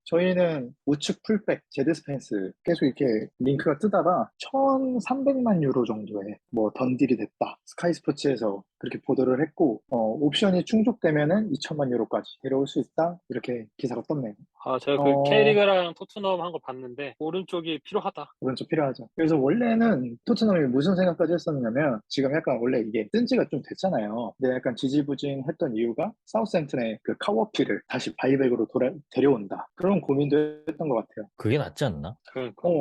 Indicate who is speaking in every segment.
Speaker 1: 저희는 우측 풀백 제드 스펜스 계속 이렇게 링크가 뜨다가 1,300만 유로 정도에 뭐 던딜이 됐다. 스카이 스포츠에서 그렇게 보도를 했고, 옵션이 충족되면은 2천만 유로까지 데려올 수 있다. 이렇게 기사가 떴네요.
Speaker 2: 아, 제가 그
Speaker 1: 어,
Speaker 2: K리그랑 토트넘 한 거 봤는데, 오른쪽이 필요하다.
Speaker 1: 그건 좀 필요하죠. 그래서 원래는 토트넘이 무슨 생각까지 했었냐면 지금 약간 원래 이게 뜬 지가 좀 됐잖아요. 근데 약간 지지부진했던 이유가 사우스햄튼의 그 카워피를 다시 바이백으로 데려온다. 그런 고민도 했던 것 같아요.
Speaker 3: 그게 낫지 않나?
Speaker 2: 그러니까.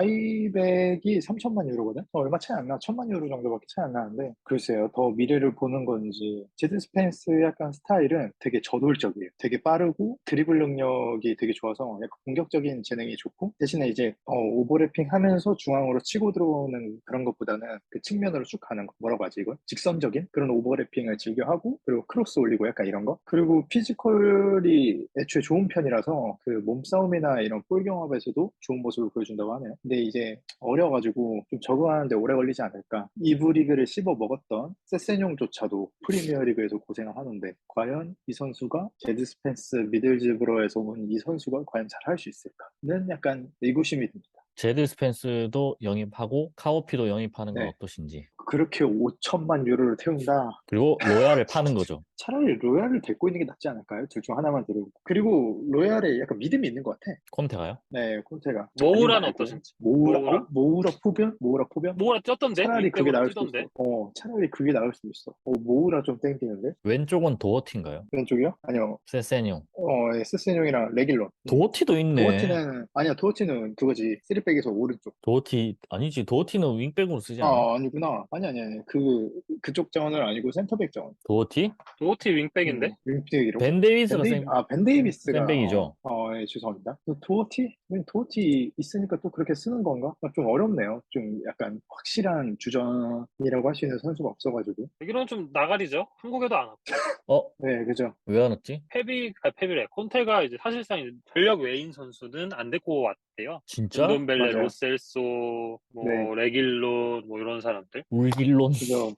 Speaker 1: 바이백이 3천만 유로거든? 얼마 차이 안 나. 1천만 유로 정도밖에 차이 안 나는데, 글쎄요, 더 미래를 보는 건지. 제드 스펜스 약간 스타일은 되게 저돌적이에요. 되게 빠르고, 드리블 능력이 되게 좋아서, 약간 공격적인 재능이 좋고, 대신에 이제, 오버래핑 하면서 중앙으로 치고 들어오는 그런 것보다는 그 측면으로 쭉 가는 거. 뭐라고 하지, 이거? 직선적인 그런 오버래핑을 즐겨 하고, 그리고 크로스 올리고 약간 이런 거. 그리고 피지컬이 애초에 좋은 편이라서, 그 몸싸움이나 이런 볼 경합에서도 좋은 모습을 보여준다고 하네요. 근데 이제 어려가지고 좀 적응하는데 오래 걸리지 않을까. 이부 리그를 씹어 먹었던 세세뇽조차도 프리미어 리그에서 고생을 하는데 과연 이 선수가 제드 스펜스 미들즈브로에서 온 이 선수가 과연 잘할 수 있을까는 약간 의구심이 듭니다.
Speaker 3: 제드 스펜스도 영입하고 카오피도 영입하는 건
Speaker 1: 네.
Speaker 3: 어떠신지.
Speaker 1: 그렇게 5천만 유로를 태운다.
Speaker 3: 그리고 로얄을 파는 거죠.
Speaker 1: 차라리 로얄을 데리고 있는 게 낫지 않을까요? 둘 중 하나만 데리고. 그리고 로얄에 약간 믿음이 있는 것 같아.
Speaker 3: 콘테가요?
Speaker 1: 네, 콘테가. 아니
Speaker 2: 모우라는
Speaker 1: 말고.
Speaker 2: 어떠신지? 모우라?
Speaker 1: 모우라 포변? 모우라 포변?
Speaker 2: 모우라 뛰었던데?
Speaker 1: 차라리 그게
Speaker 2: 윙백으로
Speaker 1: 나을 수도
Speaker 2: 뛰던데?
Speaker 1: 있어. 차라리 그게 나을 수도 있어. 모우라 좀 땡기는데?
Speaker 3: 왼쪽은 도어티인가요?
Speaker 1: 왼쪽이요? 아니요.
Speaker 3: 세세뇽.
Speaker 1: 세스용이랑 레길론.
Speaker 3: 도어티도 있네.
Speaker 1: 아니야, 도어티는 그거지. 쓰리백에서 오른쪽.
Speaker 3: 도어티 아니지. 도어티는 윙백으로 쓰지 않아?
Speaker 1: 아니구나. 아니. 그쪽 자원은 아니고 센터백 자원.
Speaker 3: 도어티?
Speaker 2: 도어티 윙백인데?
Speaker 1: 윙백이라고?
Speaker 3: 벤 데이비스가
Speaker 1: 벤 데이비스가,
Speaker 3: 센백이죠.
Speaker 1: 예, 죄송합니다. 도어티 있으니까 또 그렇게 쓰는 건가? 좀 어렵네요. 좀 약간 확실한 주전이라고 할 수 있는 선수가 없어가지고.
Speaker 2: 여기는 좀 나가리죠? 한국에도 안 왔고.
Speaker 3: 어?
Speaker 1: 네, 그죠.
Speaker 3: 왜 안 왔지?
Speaker 2: 페비래. 콘테가 이제 사실상 이제 전력 외인 선수는 안 데리고 왔대요.
Speaker 3: 진짜?
Speaker 2: 운돈벨레,
Speaker 1: 맞아요.
Speaker 2: 로셀소,
Speaker 1: 네,
Speaker 2: 뭐, 레길론, 뭐 이런 사람들.
Speaker 3: 울길론.
Speaker 1: 그죠.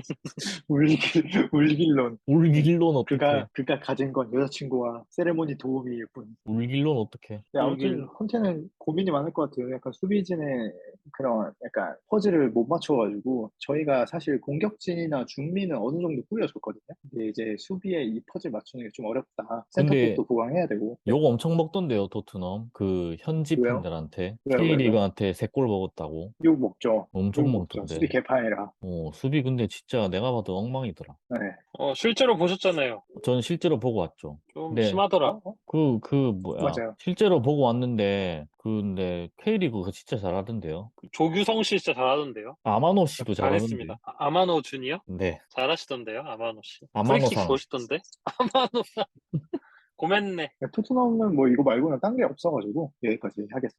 Speaker 1: 울길론.
Speaker 3: 울길론 어떡해.
Speaker 1: 그가 가진 건 여자친구와 세레모니 도우미일 뿐.
Speaker 3: 울길론 어떡해.
Speaker 1: 네, 아무튼
Speaker 2: 울길.
Speaker 1: 콘테는 고민이 많을 것 같아요. 약간 수비진의 그런 약간 퍼즐을 못 맞춰가지고 저희가 사실 공격진이나 중미는 어느 정도 꾸려줬거든요. 근데 이제 수비에 이 퍼즐 맞추는 게 좀 어렵다.
Speaker 3: 근데
Speaker 1: 센터백도 보강해야 되고. 네.
Speaker 3: 욕 엄청 먹던데요, 토트넘. 그 현지
Speaker 1: 왜요?
Speaker 3: 팬들한테.
Speaker 1: 왜요?
Speaker 3: K리그한테 3골 먹었다고.
Speaker 1: 욕 먹죠.
Speaker 3: 엄청
Speaker 1: 욕 먹죠. 수비
Speaker 3: 먹던데.
Speaker 1: 개판이라.
Speaker 3: 수비 근데 진짜 내가 봐도 엉망이더라.
Speaker 1: 네.
Speaker 2: 실제로 보셨잖아요.
Speaker 3: 저는 실제로 보고 왔죠.
Speaker 2: 좀
Speaker 3: 근데
Speaker 2: 심하더라.
Speaker 3: 뭐야.
Speaker 1: 맞아요.
Speaker 3: 실제로 보고 왔는데, 근데 K리그가 진짜 잘하던데요.
Speaker 2: 조규성 씨 진짜 잘하던데요.
Speaker 3: 아마노 씨도 잘하던데.
Speaker 2: 잘했습니다. 아마노 준이요?
Speaker 3: 네.
Speaker 2: 잘하시던데요, 아마노 씨. 프리킥
Speaker 3: 아마노상.
Speaker 2: 멋있던데? 아마노 고맨네.
Speaker 1: 토트넘은 뭐 이거 말고는 딴 게 없어가지고 여기까지 하겠습니다.